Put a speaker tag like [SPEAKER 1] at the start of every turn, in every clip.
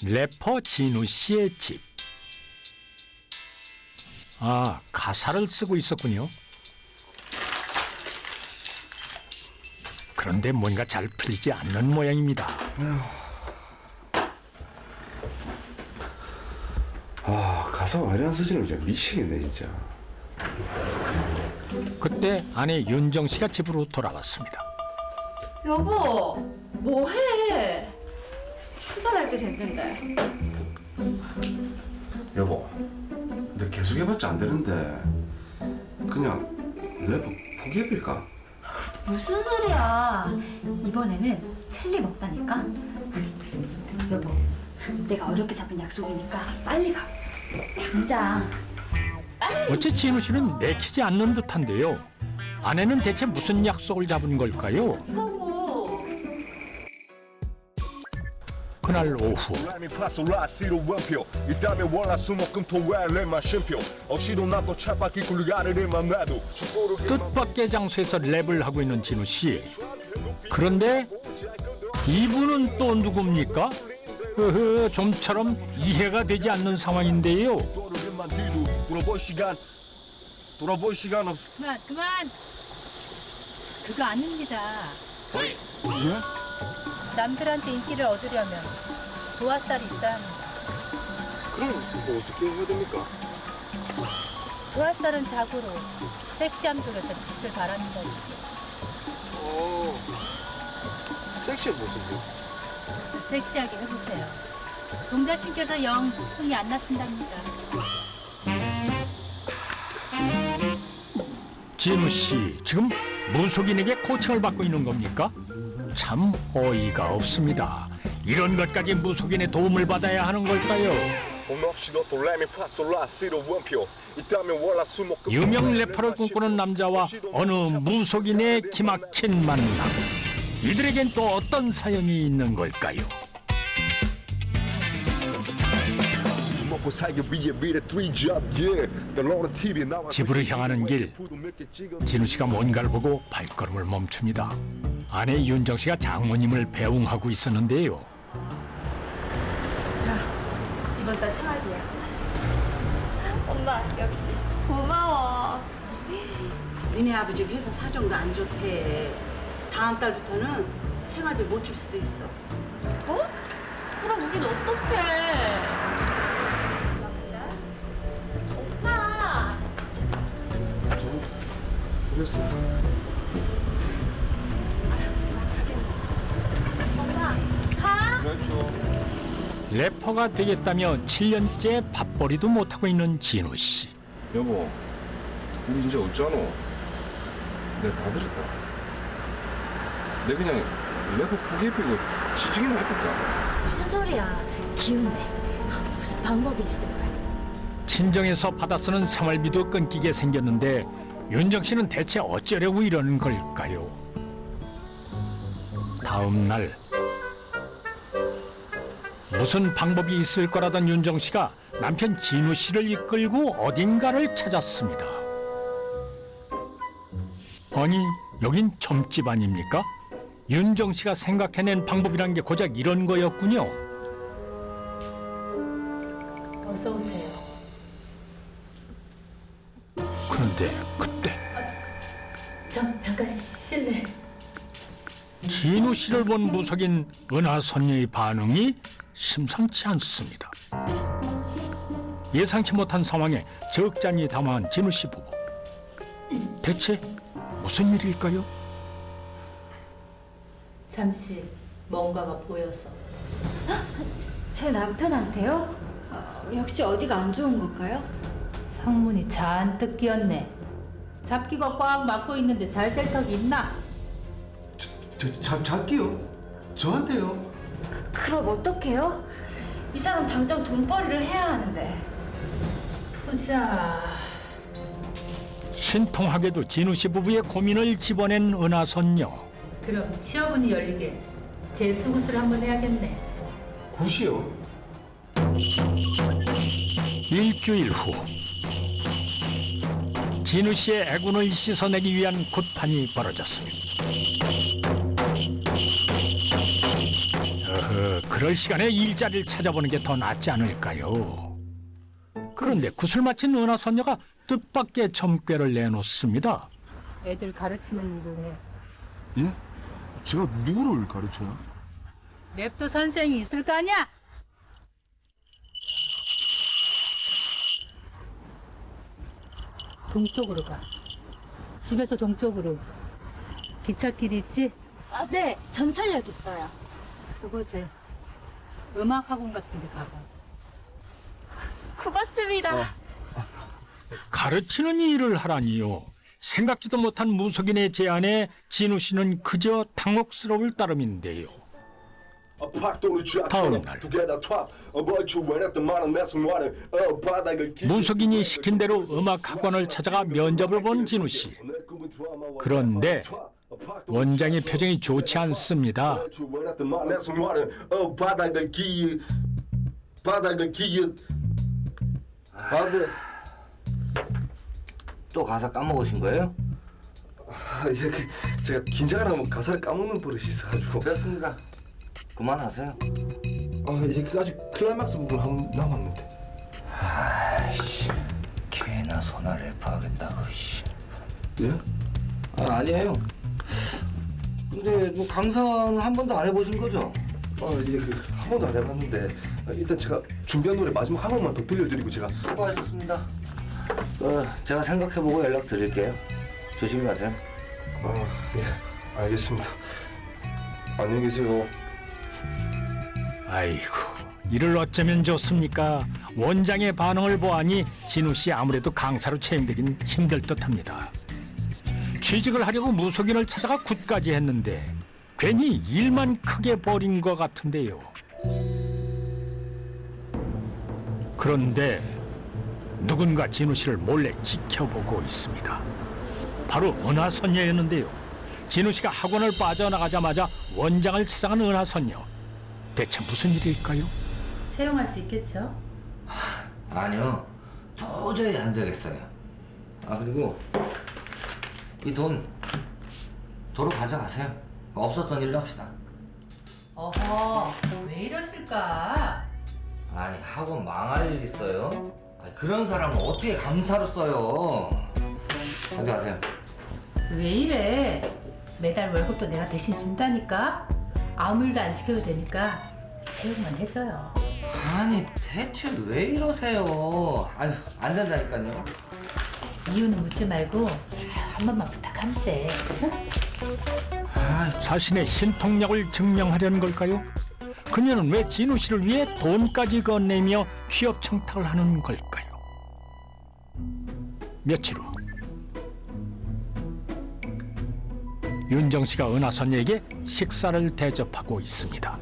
[SPEAKER 1] 래퍼 진우 씨의 집. 아, 가사를 쓰고 있었군요. 그런데 뭔가 잘 풀리지 않는 모양입니다.
[SPEAKER 2] 아, 가사가 이런 쓰지는 진짜 미치겠네 진짜.
[SPEAKER 1] 그때 아내 윤정 씨가 집으로 돌아왔습니다.
[SPEAKER 3] 여보, 뭐해? 출발할 때 됐는데.
[SPEAKER 2] 여보, 너 계속 해봤자 안 되는데 그냥 래퍼 포기해볼까?
[SPEAKER 3] 무슨 소리야? 이번에는 틀림없다니까. 여보, 내가 어렵게 잡은 약속이니까 빨리 가. 당장.
[SPEAKER 1] 어째 진우 씨는 내키지 않는 듯한데요. 아내는 대체 무슨 약속을 잡은 걸까요?
[SPEAKER 3] 여보.
[SPEAKER 1] 그날 오후 뜻밖의 장소에서 랩을 하고 있는 진우 씨. 그런데 이분은 또 누굽니까? 좀처럼 이해가 되지 않는 상황인데요.
[SPEAKER 2] 돌아볼 시간 없어.
[SPEAKER 4] 그만. 그거 아닙니다. 남들한테 인기를 얻으려면 도화살이 있어야 합니다.
[SPEAKER 2] 그럼 뭐 어떻게 해야 됩니까?
[SPEAKER 4] 도화살은 자고로 섹시함 속에서 빛을 발합니다.
[SPEAKER 2] 섹시한 모습이요?
[SPEAKER 4] 섹시하게 해보세요. 동자신께서 영 흥이 안 나신답니다.
[SPEAKER 1] 진우 씨, 지금 무속인에게 코칭을 받고 있는 겁니까? 참 어이가 없습니다. 이런 것까지 무속인의 도움을 받아야 하는 걸까요? 유명 래퍼를 꿈꾸는 남자와 어느 무속인의 기막힌 만남. 이들에겐 또 어떤 사연이 있는 걸까요? 집으로 향하는 길, 진우 씨가 뭔가를 보고 발걸음을 멈춥니다. 아내 윤정 씨가 장모님을 배웅하고 있었는데요.
[SPEAKER 3] 자, 이번 달 생활비야. 엄마, 역시 고마워.
[SPEAKER 5] 니네 아버지 회사 사정도 안 좋대. 다음 달부터는 생활비 못 줄 수도 있어.
[SPEAKER 3] 어? 그럼 우린 어떡해? 엄마!
[SPEAKER 2] 그랬어.
[SPEAKER 3] 엄마, 가!
[SPEAKER 1] 래퍼가 되겠다며 7년째 밥벌이도 못하고 있는 진우 씨.
[SPEAKER 2] 여보, 우리 진짜 어쩌노? 내가 다 들었다. 내가 그냥 래퍼 포기해버리고 취직이나 해볼까?
[SPEAKER 3] 무슨 소리야? 기운내. 무슨 방법이 있을까?
[SPEAKER 1] 친정에서 받아 쓰는 생활비도 끊기게 생겼는데 윤정 씨는 대체 어쩌려고 이러는 걸까요? 다음 날 무슨 방법이 있을 거라던 윤정 씨가 남편 진우 씨를 이끌고 어딘가를 찾았습니다. 아니, 여긴 점집 아닙니까? 윤정 씨가 생각해낸 방법이란 게 고작 이런 거였군요.
[SPEAKER 4] 어서 오세요.
[SPEAKER 1] 그런데 그때
[SPEAKER 4] 잠깐 실례.
[SPEAKER 1] 진우 씨를 본 무속인 은하선녀의 반응이 심상치 않습니다. 예상치 못한 상황에 적잖이 당황한 진우 씨 부부. 대체 무슨 일일까요?
[SPEAKER 4] 잠시 뭔가가 보여서.
[SPEAKER 3] 제 남편한테요? 역시 어디가 안 좋은 걸까요?
[SPEAKER 4] 상문이 잔뜩 끼었네. 잡기가 꽉 막고 있는데 잘 될 턱이 있나?
[SPEAKER 2] 잡기요? 저한테요?
[SPEAKER 3] 그럼 어떡해요? 이 사람 당장 돈벌이를 해야 하는데.
[SPEAKER 4] 보자.
[SPEAKER 1] 신통하게도 진우 씨 부부의 고민을 집어낸 은하선녀.
[SPEAKER 4] 그럼 취업운이 열리게 재수굿을 한번 해야겠네.
[SPEAKER 2] 굿이요?
[SPEAKER 1] 일주일 후 진우 씨의 애군을 씻어내기 위한 굿판이 벌어졌습니다. 그럴 시간에 일자리를 찾아보는 게 더 낫지 않을까요? 그런데 굿을 마친 은하 선녀가 뜻밖의 점괘를 내놓습니다.
[SPEAKER 4] 애들 가르치는 일을 해.
[SPEAKER 6] 예? 제가 누구를 가르쳐요?
[SPEAKER 4] 랩도 선생이 있을 거 아니야? 동쪽으로 가. 집에서 동쪽으로. 기찻길 있지?
[SPEAKER 3] 아, 네, 전철역 있어요.
[SPEAKER 4] 그곳에 음악 학원 같은 데 가봐.
[SPEAKER 3] 고맙습니다.
[SPEAKER 1] 가르치는 일을 하라니요. 생각지도 못한 무속인의 제안에 진우 씨는 그저 당혹스러울 따름인데요. 다음 날 무속인이 시킨 대로 음악 학원을 찾아가 면접을 본 진우 씨. 그런데 원장의 표정이 좋지 않습니다.
[SPEAKER 7] 또 가사 까먹으신 거예요?
[SPEAKER 2] 제가 긴장을 하면 가사를 까먹는 버릇이 있어가지고.
[SPEAKER 7] 됐습니다. 그만하세요.
[SPEAKER 2] 아직 클라이막스 부분 한 남았는데.
[SPEAKER 7] 아이씨, 개나 소나 래퍼하겠다고 씨.
[SPEAKER 2] 예?
[SPEAKER 7] 아니에요. 근데 뭐 강사는 한 번도 안 해보신 거죠?
[SPEAKER 2] 한 번도 안 해봤는데 일단 제가 준비한 노래 마지막 한 번만 더 들려드리고 제가.
[SPEAKER 7] 수고하셨습니다. 제가 생각해보고 연락 드릴게요. 조심히 가세요.
[SPEAKER 2] 예, 알겠습니다. 안녕히 계세요.
[SPEAKER 1] 아이고, 이를 어쩌면 좋습니까? 원장의 반응을 보아니 진우 씨 아무래도 강사로 채용되긴 힘들 듯합니다. 취직을 하려고 무속인을 찾아가 굿까지 했는데 괜히 일만 크게 벌인 것 같은데요. 그런데 누군가 진우 씨를 몰래 지켜보고 있습니다. 바로 은하선녀였는데요. 진우 씨가 학원을 빠져나가자마자 원장을 찾아간 은하선녀. 대체 무슨 일일까요?
[SPEAKER 4] 채용할 수 있겠죠?
[SPEAKER 7] 아니요. 도저히 안 되겠어요. 그리고 이 돈 도로 가져가세요. 없었던 일로 합시다.
[SPEAKER 4] 어허, 왜 이러실까?
[SPEAKER 7] 아니 학원 망할 일 있어요? 그런 사람은 어떻게 강사로 써요? 어디 가세요?
[SPEAKER 4] 왜 이래? 매달 월급도 내가 대신 준다니까? 아무 일도 안 시켜도 되니까 채용만 해줘요.
[SPEAKER 7] 아니 대체 왜 이러세요? 아니 안 된다니까요.
[SPEAKER 4] 이유는 묻지 말고 한 번만 부탁함세.
[SPEAKER 1] 자신의 신통력을 증명하려는 걸까요? 그녀는 왜 진우 씨를 위해 돈까지 건네며 취업 청탁을 하는 걸까요? 며칠 후 윤정 씨가 은하선녀에게 식사를 대접하고 있습니다.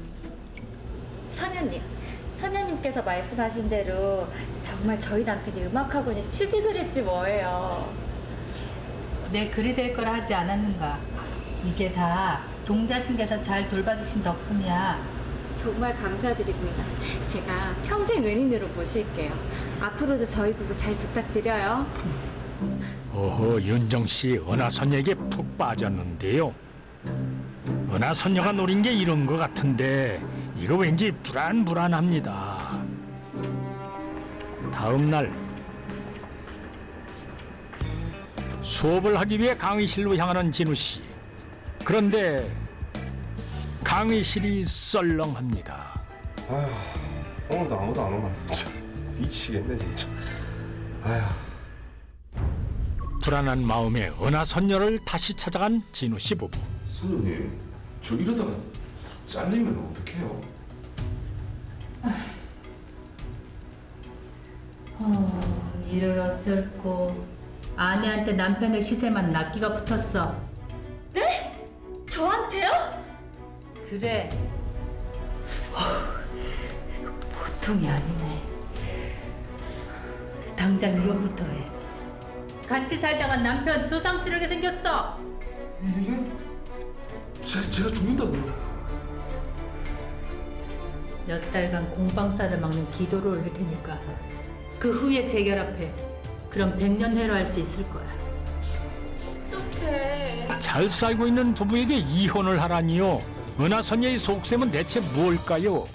[SPEAKER 3] 선녀님께서 말씀하신 대로 정말 저희 남편이 음악학원에 취직을 했지 뭐예요.
[SPEAKER 4] 내 글이 될 거라 하지 않았는가? 이게 다 동자신께서 잘 돌봐주신 덕분이야.
[SPEAKER 3] 정말 감사드립니다. 제가 평생 은인으로 모실게요. 앞으로도 저희 부부 잘 부탁드려요.
[SPEAKER 1] 오호, 윤정 씨 은하선녀에게 푹 빠졌는데요. 은하선녀가 노린 게 이런 것 같은데 이거 왠지 불안합니다. 다음 날 수업을 하기 위해 강의실로 향하는 진우 씨. 그런데 강의실이 썰렁합니다.
[SPEAKER 2] 오늘도 아무도 안 오면 미치겠네 진짜.
[SPEAKER 1] 불안한 마음에 은하선녀를 다시 찾아간 진우 씨 부부.
[SPEAKER 2] 선녀님, 저 이러다가 잘리면 어떡해요?
[SPEAKER 4] 일을 어쩔고 아내한테 남편의 시세만 낚기가 붙었어.
[SPEAKER 3] 네? 저한테요?
[SPEAKER 4] 그래. 이거 보통이 아니네. 당장 이혼부터 해. 같이 살다가 남편 조상 치르게 생겼어.
[SPEAKER 2] 이게? 제가 죽는다고요?
[SPEAKER 4] 몇 달간 공방사를 막는 기도를 올릴 테니까 그 후에 재결합해. 그럼 100년 회로할 수 있을 거야.
[SPEAKER 3] 어떡해.
[SPEAKER 1] 잘 살고 있는 부부에게 이혼을 하라니요. 은하선녀의 속셈은 대체 무엇일까요?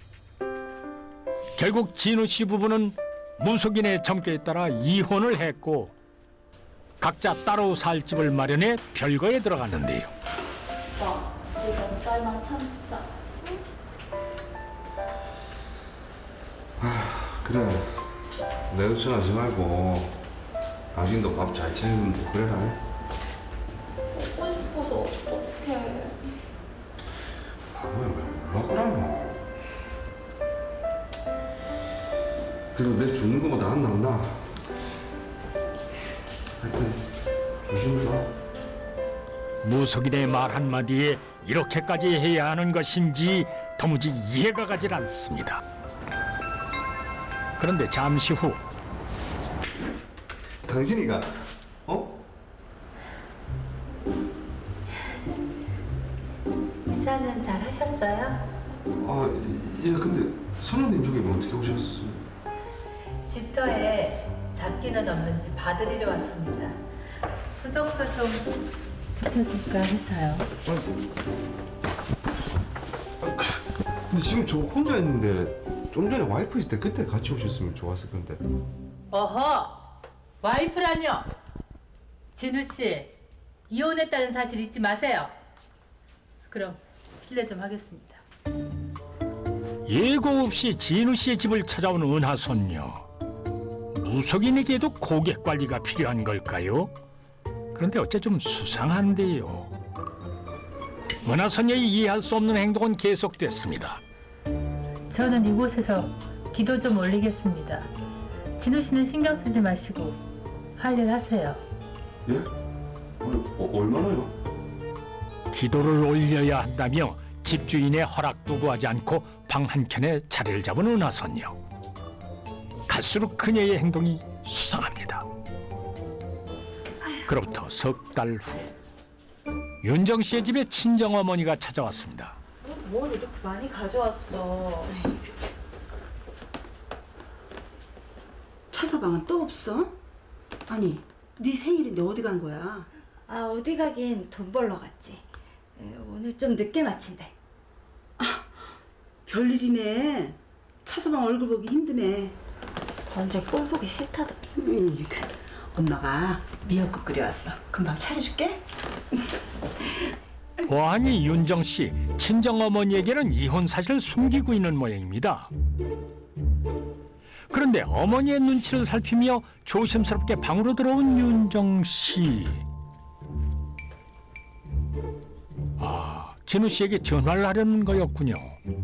[SPEAKER 1] 결국 진우 씨 부부는 무속인의 점괘에 따라 이혼을 했고 각자 따로 살 집을 마련해 별거에 들어갔는데요.
[SPEAKER 3] 우리 몇 달만 참자.
[SPEAKER 6] 그래. 내 의천하지 말고 당신도 밥 잘 챙기고 그래라.
[SPEAKER 3] 먹고 싶어서 어떡해.
[SPEAKER 6] 왜 먹으라노? 그래도 내 주는 거보다 안 나온다. 하여튼 조심해라.
[SPEAKER 1] 무속인의 말 한마디에 이렇게까지 해야 하는 것인지 도무지 이해가 가질 않습니다. 그런데 잠시 후
[SPEAKER 6] 당신이가
[SPEAKER 4] 이사는 잘 하셨어요?
[SPEAKER 6] 예, 근데 선우님 쪽에 어떻게 오셨어요?
[SPEAKER 4] 집터에 잡기는 없는지 봐드리러 왔습니다. 부적도 좀 붙여줄까 해서요.
[SPEAKER 6] 근데 지금 저 혼자 있는데 좀 전에 와이프 있을 때 그때 같이 오셨으면 좋았을 건데.
[SPEAKER 4] 어허! 와이프라뇨! 진우 씨, 이혼했다는 사실 잊지 마세요. 그럼 실례 좀 하겠습니다.
[SPEAKER 1] 예고 없이 진우 씨의 집을 찾아온 은하선녀. 무속인에게도 고객 관리가 필요한 걸까요? 그런데 어째 좀 수상한데요. 은하선녀의 이해할 수 없는 행동은 계속됐습니다.
[SPEAKER 4] 저는 이곳에서 기도 좀 올리겠습니다. 진우 씨는 신경 쓰지 마시고 할 일 하세요.
[SPEAKER 6] 예? 얼마나요?
[SPEAKER 1] 기도를 올려야 한다며 집주인의 허락도 구하지 않고 방 한켠에 자리를 잡은 은하선녀. 갈수록 그녀의 행동이 수상합니다. 그로부터 석 달 후 윤정 씨의 집에 친정어머니가 찾아왔습니다.
[SPEAKER 3] 뭘 이렇게 많이 가져왔어.
[SPEAKER 5] 차서방은 또 없어? 아니, 네 생일인데 어디 간 거야?
[SPEAKER 3] 아, 어디 가긴 돈 벌러 갔지. 오늘 좀 늦게 마친대.
[SPEAKER 5] 별일이네. 차서방 얼굴 보기 힘드네.
[SPEAKER 3] 언제 꼴 보기 싫다더니.
[SPEAKER 5] 엄마가 미역국 끓여왔어. 금방 차려줄게.
[SPEAKER 1] 보아하니 윤정 씨 친정어머니에게는 이혼 사실을 숨기고 있는 모양입니다. 그런데 어머니의 눈치를 살피며 조심스럽게 방으로 들어온 윤정 씨. 진우 씨에게 전화를 하려는 거였군요.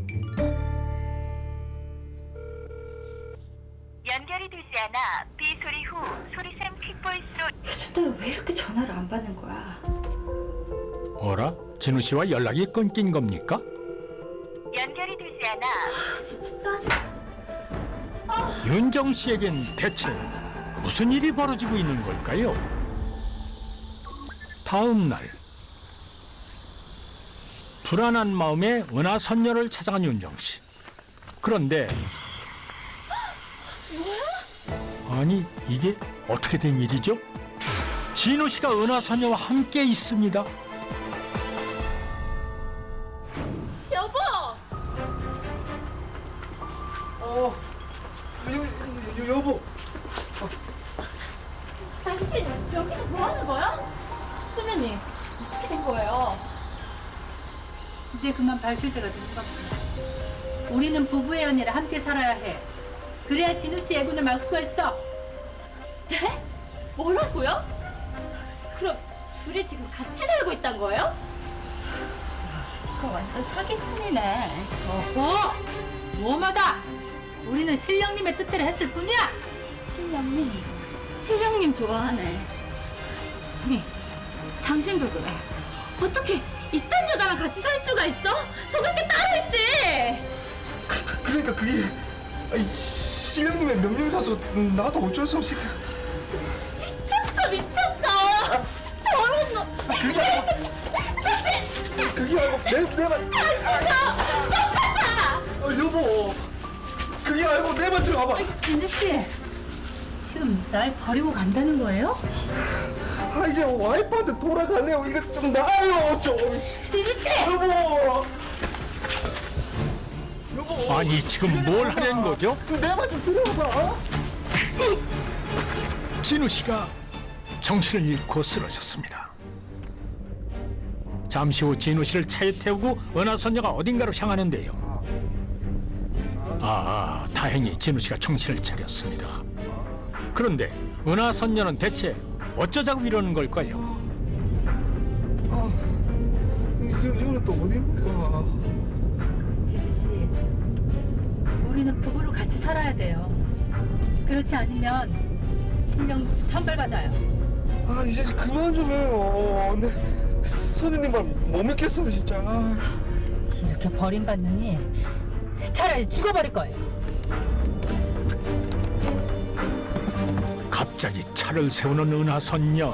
[SPEAKER 8] 연결이 되지 않아 비소리 후 소리샘 퀵보이스로
[SPEAKER 3] 요즘 따라 왜 이렇게 전화를 안 받는 거야?
[SPEAKER 1] 어라? 진우 씨와 연락이 끊긴 겁니까?
[SPEAKER 8] 연결이 되지 않아
[SPEAKER 3] 진짜 짜증나.
[SPEAKER 1] 윤정 씨에겐 대체 무슨 일이 벌어지고 있는 걸까요? 다음 날 불안한 마음에 은하선녀를 찾아간 윤정 씨. 그런데 아니 이게 어떻게 된 일이죠? 진우 씨가 은하선녀와 함께 있습니다.
[SPEAKER 3] 여보!
[SPEAKER 2] 여보.
[SPEAKER 3] 당신 여기서 뭐 하는 거야? 수면님, 어떻게 된 거예요?
[SPEAKER 4] 이제 그만 밝힐 때가 된 것 같습니다. 우리는 부부의 연애를 함께 살아야 해. 그래야 진우 씨 애군을 막 수가 있어.
[SPEAKER 3] 네? 뭐라고요? 그럼 둘이 지금 같이 살고 있단 거예요? 이거 완전 사기꾼이네.
[SPEAKER 4] 어허! 뭐마다! 우리는 신령님의 뜻대로 했을 뿐이야!
[SPEAKER 3] 신령님 좋아하네. 아니, 당신도 그래. 어떻게 이딴 여자랑 같이 살 수가 있어? 속을 게 따로 있지.
[SPEAKER 2] 그러니까 그게 신령님의 명령이라서 나도 어쩔 수 없이
[SPEAKER 3] 미쳤어. 더러운 놈.
[SPEAKER 2] 그게 아니고 내 말. 여보. 그게 아니고 내 말 들어봐봐.
[SPEAKER 4] 진우 씨, 지금 날 버리고 간다는 거예요?
[SPEAKER 2] 아 이제 와이프한테 돌아갈래요. 이거 좀 나아요 좀.
[SPEAKER 3] 진우 씨!
[SPEAKER 2] 여보.
[SPEAKER 1] 아니 지금 뭘 하려는 거죠?
[SPEAKER 2] 내 말 좀 들어봐.
[SPEAKER 1] 진우 씨가 정신을 잃고 쓰러졌습니다. 잠시 후 진우 씨를 차에 태우고 은하선녀가 어딘가로 향하는데요. 다행히 진우 씨가 정신을 차렸습니다. 그런데 은하선녀는 대체 어쩌자고 이러는 걸까요?
[SPEAKER 2] 이거는 또 어디입니까?
[SPEAKER 4] 진우 씨, 우리는 부부로 같이 살아야 돼요. 그렇지 않으면 신령 천벌받아요.
[SPEAKER 2] 아 이제 그만 좀 해요. 근데 선생님 말 못 믿겠어 진짜.
[SPEAKER 4] 이렇게 버림받느니 차라리 죽어버릴 거예요.
[SPEAKER 1] 갑자기 차를 세우는 은하선녀.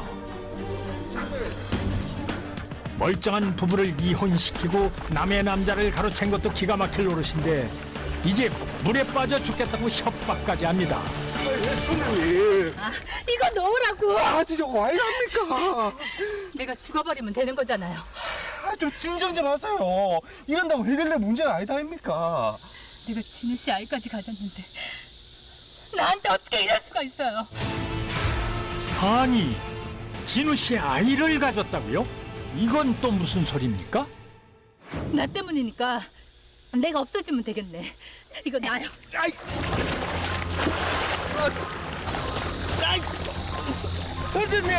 [SPEAKER 1] 멀쩡한 부부를 이혼시키고 남의 남자를 가로챈 것도 기가 막힐 노릇인데 이제 물에 빠져 죽겠다고 협박까지 합니다.
[SPEAKER 2] 선생님.
[SPEAKER 4] 이거 놓으라고.
[SPEAKER 2] 아 진짜 왜 이럽니까?
[SPEAKER 4] 내가 죽어버리면 되는 거잖아요.
[SPEAKER 2] 좀 진정 좀 하세요. 이런다고 해결될 문제가 아니다 아닙니까?
[SPEAKER 4] 내가 진우 씨 아이까지 가졌는데 나한테 어떻게 이럴 수가 있어요?
[SPEAKER 1] 아니, 진우 씨 아이를 가졌다고요? 이건 또 무슨 소리입니까?
[SPEAKER 4] 나 때문이니까 내가 없어지면 되겠네. 이거 나요.
[SPEAKER 2] 아이. 아이. 선생님.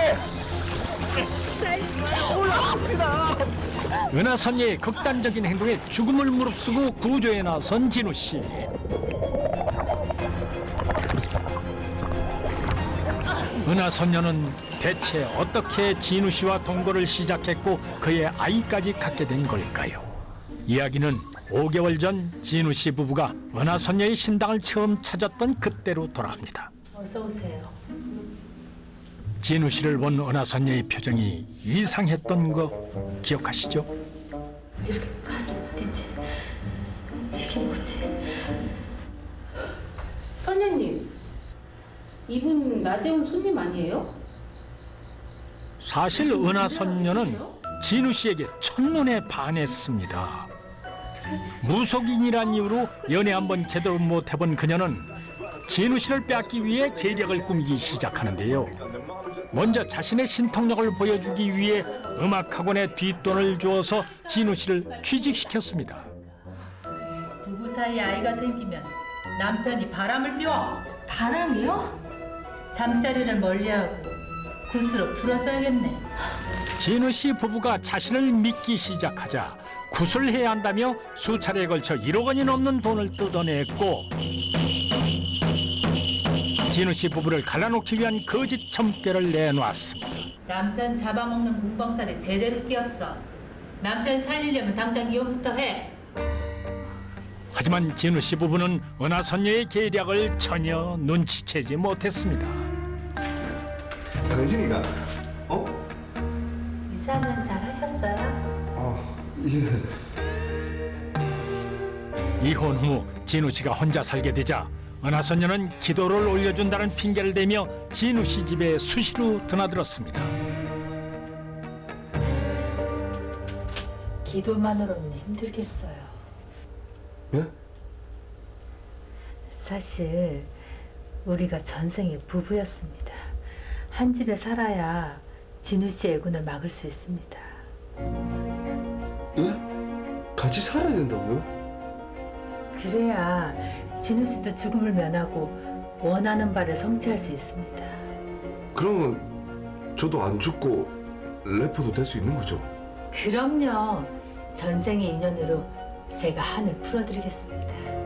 [SPEAKER 1] 은하선녀의 극단적인 행동에 죽음을 무릅쓰고 구조에 나선 진우 씨. 은하선녀는 대체 어떻게 진우 씨와 동거를 시작했고 그의 아이까지 갖게 된 걸까요? 이야기는 5개월 전 진우 씨 부부가 은하선녀의 신당을 처음 찾았던 그때로 돌아갑니다.
[SPEAKER 4] 어서 오세요.
[SPEAKER 1] 진우 씨를 본 은하선녀의 표정이 이상했던 거 기억하시죠?
[SPEAKER 4] 왜 이렇게 가슴아프지? 이게 뭐지?
[SPEAKER 5] 선녀님, 이분 낮에 온 손님 아니에요?
[SPEAKER 1] 사실 은하선녀는 진우 씨에게 첫눈에 반했습니다. 무속인이란 이유로 연애 한번 제대로 못 해본 그녀는 진우 씨를 빼앗기 위해 계략을 꾸미기 시작하는데요. 먼저 자신의 신통력을 보여주기 위해 음악학원에 뒷돈을 주어서 진우 씨를 취직시켰습니다.
[SPEAKER 4] 부부 사이에 아이가 생기면 남편이 바람을 피워.
[SPEAKER 3] 바람이요?
[SPEAKER 4] 잠자리를 멀리하고 굿으로 풀어줘야겠네.
[SPEAKER 1] 진우 씨 부부가 자신을 믿기 시작하자 구슬해야 한다며 수차례에 걸쳐 1억 원이 넘는 돈을 뜯어냈고 진우 씨 부부를 갈라놓기 위한 거짓 점괘를 내놓았습니다.
[SPEAKER 4] 남편 잡아먹는 공방살에 제대로 끼었어. 남편 살리려면 당장 이혼부터 해.
[SPEAKER 1] 하지만 진우 씨 부부는 은하선녀의 계략을 전혀 눈치채지 못했습니다.
[SPEAKER 6] 당신이가
[SPEAKER 4] 이사는 잘 하셨어요?
[SPEAKER 6] 예.
[SPEAKER 1] 이혼 후 진우 씨가 혼자 살게 되자 은하선녀는 기도를 올려준다는 핑계를 대며 진우 씨 집에 수시로 드나들었습니다.
[SPEAKER 4] 기도만으로는 힘들겠어요.
[SPEAKER 6] 예?
[SPEAKER 4] 사실 우리가 전생에 부부였습니다. 한 집에 살아야 진우 씨 애군을 막을 수 있습니다.
[SPEAKER 6] 예? 같이 살아야 된다고요?
[SPEAKER 4] 그래야 진우 씨도 죽음을 면하고 원하는 바를 성취할 수 있습니다.
[SPEAKER 6] 그러면 저도 안 죽고 래퍼도 될 수 있는 거죠?
[SPEAKER 4] 그럼요. 전생의 인연으로 제가 한을 풀어드리겠습니다.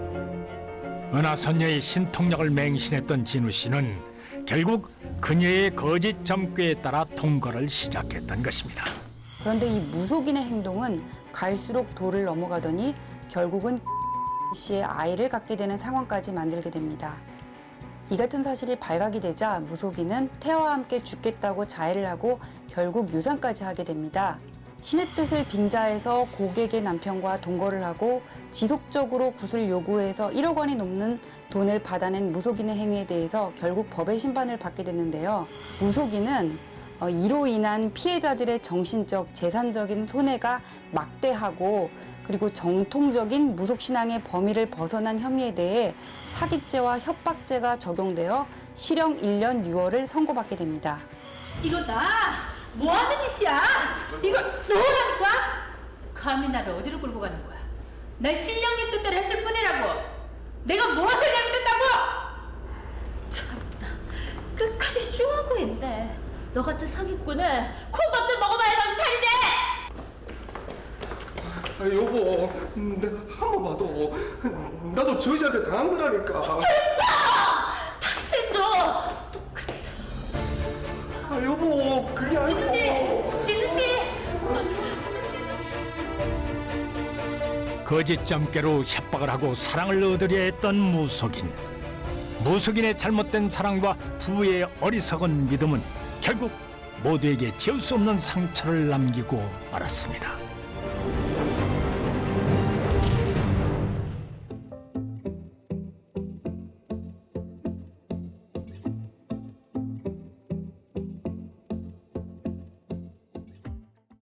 [SPEAKER 1] 은하선녀의 신통력을 맹신했던 진우 씨는 결국 그녀의 거짓 점괘에 따라 동거를 시작했던 것입니다.
[SPEAKER 9] 그런데 이 무속인의 행동은 갈수록 도를 넘어가더니 결국은 씨의 아이를 갖게 되는 상황까지 만들게 됩니다. 이 같은 사실이 발각이 되자 무속인은 태아와 함께 죽겠다고 자해를 하고 결국 유산까지 하게 됩니다. 신의 뜻을 빙자해서 고객의 남편과 동거를 하고 지속적으로 굿을 요구해서 1억 원이 넘는 돈을 받아낸 무속인의 행위에 대해서 결국 법의 심판을 받게 됐는데요. 무속인은 이로 인한 피해자들의 정신적, 재산적인 손해가 막대하고 그리고 정통적인 무속신앙의 범위를 벗어난 혐의에 대해 사기죄와 협박죄가 적용되어 실형 1년 6월을 선고받게 됩니다.
[SPEAKER 4] 이거 나 뭐하는 짓이야? 이거 너라니까? 감히 나를 어디로 끌고 가는 거야? 난 신령님 뜻대로 했을 뿐이라고. 내가 무엇을 잘못했다고?
[SPEAKER 3] 참나, 끝까지 쇼하고 있네. 너 같은 사기꾼은 콩밥도 먹어봐야 정신 차리지.
[SPEAKER 2] 여보, 내가 한 번 봐도 나도 저 여자한테 당한 거라니까.
[SPEAKER 3] 당신도 똑같아.
[SPEAKER 2] 여보, 그게 아니고.
[SPEAKER 4] 진우 씨!
[SPEAKER 1] 거짓점괘로 협박을 하고 사랑을 얻으려 했던 무속인. 무속인의 잘못된 사랑과 부부의 어리석은 믿음은 결국 모두에게 지울 수 없는 상처를 남기고 말았습니다.